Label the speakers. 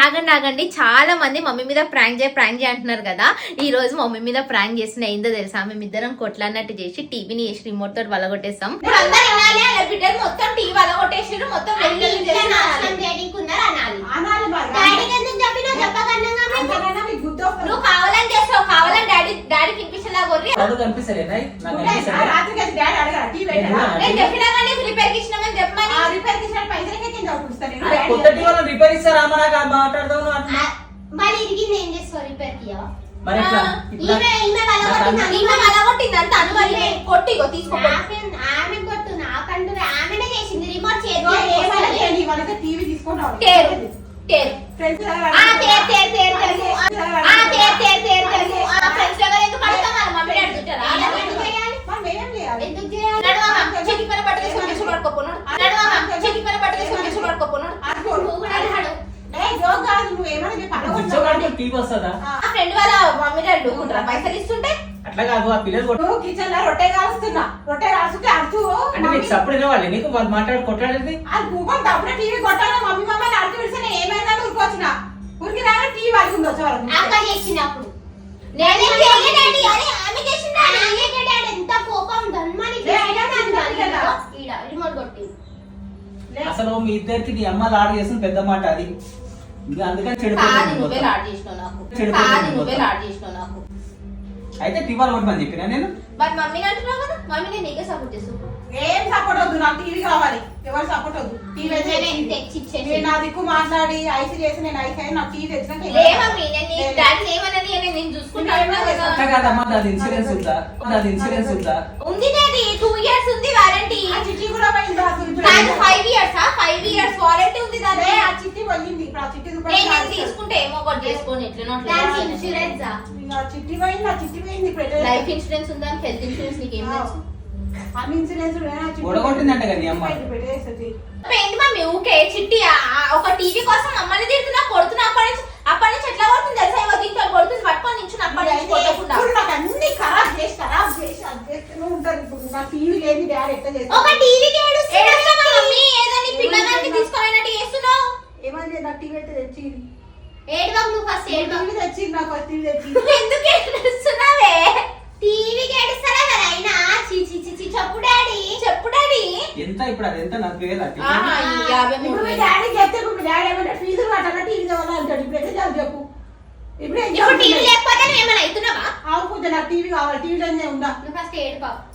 Speaker 1: ఆగండి చాలా మంది మమ్మీ మీద ప్రాంక్ చేయ అంటున్నారు కదా. ఈ రోజు మమ్మీ మీద ప్రాంక్ చేసిన ఏందో తెలుసా, మేమిద్దరం కొట్లాడినట్టు చేసి టీవీని చేసి రిమోట్ తోటి వలగొట్టేస్తాం. మొత్తం టీవీ వలగొట్టేసారు. మొత్తం నువ్వు కావాలని చేస్తావు, కావాలని డాడీ కినిపించేలా కొర్రి రిపేర్ కి ఇచ్చినామని చెప్పమని. రిపేర్ కి ఇచ్చిన పైసలకే మరి ఇరిగింది ఏం చేస్తావు? రిపేర్ కి కొట్టిగో తీసుకో. ఆమె కొట్టు నాకంటూ ఆమెనే చేసింది. రిమోట్ టీవీ తీసుకుంటావు. ఫ్రెండ్ వాళ్ళ మమ్మీ డాడీ ఊరుకుంటారా పైసలు ఇస్తుంటే?
Speaker 2: అట్లా కాదు, ఆ పిల్లలు
Speaker 3: కిచెన్ లో రొట్టె కాలుస్తున్నా, రొట్టె కాల్చుంటే అర్థం
Speaker 2: సప్పుడు వాళ్ళు నీకు వాళ్ళు మాట్లాడి కొట్టాడేది.
Speaker 3: అది కూకొని తప్పుడే టీవీ కొట్టాలి. మమ్మీ మమ్మల్ని అర్థం పిలిస్తే నేను ఏమైనా ఊరుకొచ్చిన ఊరికి రాగా టీవీ వాళ్ళకి వచ్చే
Speaker 1: అక్క చేసినప్పుడు ఎంత కోపం రిమోట్ కొట్టి.
Speaker 2: అసలు మీ ఇద్దరికి నీ అమ్మ లాడ్ చేసిన పెద్ద మాట అది. అందుకని
Speaker 1: నాకు
Speaker 2: అయితే టీవీలు కొట్టమని చెప్పినా నేను.
Speaker 1: మరి మమ్మీ అంటున్నావు కదా, మమ్మీ నేను నీకే సపోర్ట్ చేస్తాను.
Speaker 3: ఏం సపోర్ట్ వద్దు, నాకు టీవీ కావాలి. ఎవరు సపోర్ట్ వద్దు. టీవీ తెచ్చి నా దిక్కు మాట్లాడి ఐసీ చేసి నేను ఐసీ నాకు టీవీ తెచ్చినాక
Speaker 2: ఇన్సూరెన్స్ ఉందా? ఇన్సూరెన్స్ ఉందా?
Speaker 1: ఉంది. 2 years ఉంది వారంటీ.
Speaker 3: ఆ చిట్టి కూడా పోయింది.
Speaker 1: 5 years 5 years వారంటీ ఉంది దాని.
Speaker 3: ఆ చిట్టి పోయింది. ఇప్పుడు ఆ చిట్టి
Speaker 1: తీసుకుంటే ఏమో ఒకటి చేసుకొని ఎట్లా ఇన్సూరెన్స్
Speaker 3: చిట్టి పోయింది. ఆ చిట్టి పోయింది.
Speaker 1: లైఫ్ ఇన్సూరెన్స్ ఉందా? హెల్త్ ఇన్సూరెన్స్ నీకేం తెలుసు?
Speaker 3: అన్ని ఇన్సూరెన్స్
Speaker 2: కొడగొట్టిందంట కదా అమ్మ.
Speaker 1: ఏంటి మమ్మీ ఊకే చిట్టి ఒక టీవీ కోసం మమ్మల్ని తిడుతున్నా కొడుతున్నా. అప్పటి నుంచి ఎట్లా కొడుతుంది తెలుసా? ఇవ్వ దీంతో కొడుతుంది పట్టుకొని నించుని అప్పటి నుంచి కొట్టకుండా
Speaker 3: నాకు అన్ని ఖరాబ్ చేసి ఉంటారు. ఇప్పుడు నా టీవీ లేని డాడీ ఎట్లా చేస్తా?
Speaker 1: ఒక టీవీకి ఏదని పిల్లగానికి తీసుకోవాలంటే చేస్తున్నావు.
Speaker 3: ఏమైంది? నా టీవీ అయితే తెచ్చింది.
Speaker 1: ఏడువాకు నువ్వు ఫస్ట్
Speaker 3: టీవీ తెచ్చింది. నాకు ఫస్ట్ టీవీ తెచ్చింది.
Speaker 1: ఎందుకు ఏడుస్తున్నావే? టీవీకి ఏడుస్తారా కదా అయినా. చెప్పు డాడీ
Speaker 2: ఎంత ఇప్పుడు అది ఎంత? 40,000.
Speaker 3: ఇప్పుడు మీ డాడీ చెప్తే మీ డాడీ ఏమంటే ఫీజులు కట్టాలా టీవీ కావాలా అంటాడు. ఇప్పుడు ఎట్లా చెప్పు. ఇప్పుడు
Speaker 1: టీవీ లేకపోతే ఏమైనా అవుతున్నావా?
Speaker 3: అవును, నాకు టీవీ కావాలి. టీవీలోనే ఉందా?
Speaker 1: నువ్వు ఫస్ట్ ఏడుపా.